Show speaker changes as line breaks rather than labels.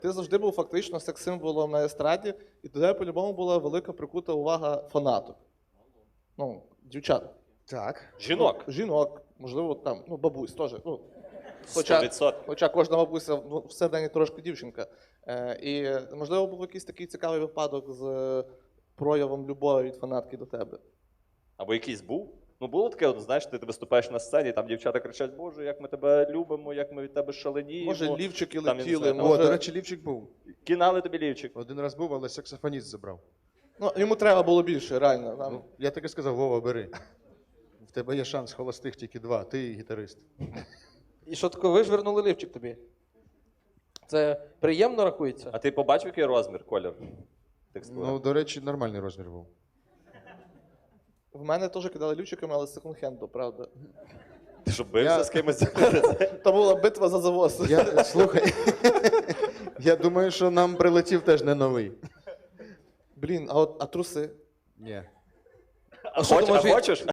Ти завжди був фактично секс-символом на естраді, і до тебе по-любому була велика прикута увага фанаток. Ну, дівчат.
Так.
Жінок.
Жінок, можливо, там, ну, бабусь теж. Ну,
100%.
хоча кожна бабуся ну, всередині трошки дівчинка. І, можливо, був якийсь такий цікавий випадок з проявом любові від фанатки до тебе.
Або якийсь був. Ну, було таке, от, знаєш, ти виступаєш на сцені, там дівчата кричать, Боже, як ми тебе любимо, як ми від тебе шаленіємо.
Може, лівчики
Там, я не
летіли,
знаю,
може...
О, до речі, лівчик був.
Кінали тобі лівчик.
Один раз був, але саксофоніст забрав.
Ну, йому треба було більше, реально. Там...
Ну, я так і сказав, Вова, бери. В тебе є шанс холостих тільки 2, ти і гітарист.
І що таке, ви ж вернули лівчик тобі? Це приємно рахується?
А ти побачив, який розмір, колір? Текстура?
Ну, до речі, нормальний розмір був.
В мене теж кидали лівчиками, але з секонд-хенду, правда.
Ти що, бився
Я-
з кимось?
Там була битва за завоз.
Слухай, я думаю, що нам прилетів теж не новий.
Блін, а труси?
Ні.
А що,
А
думаєш,
хочеш?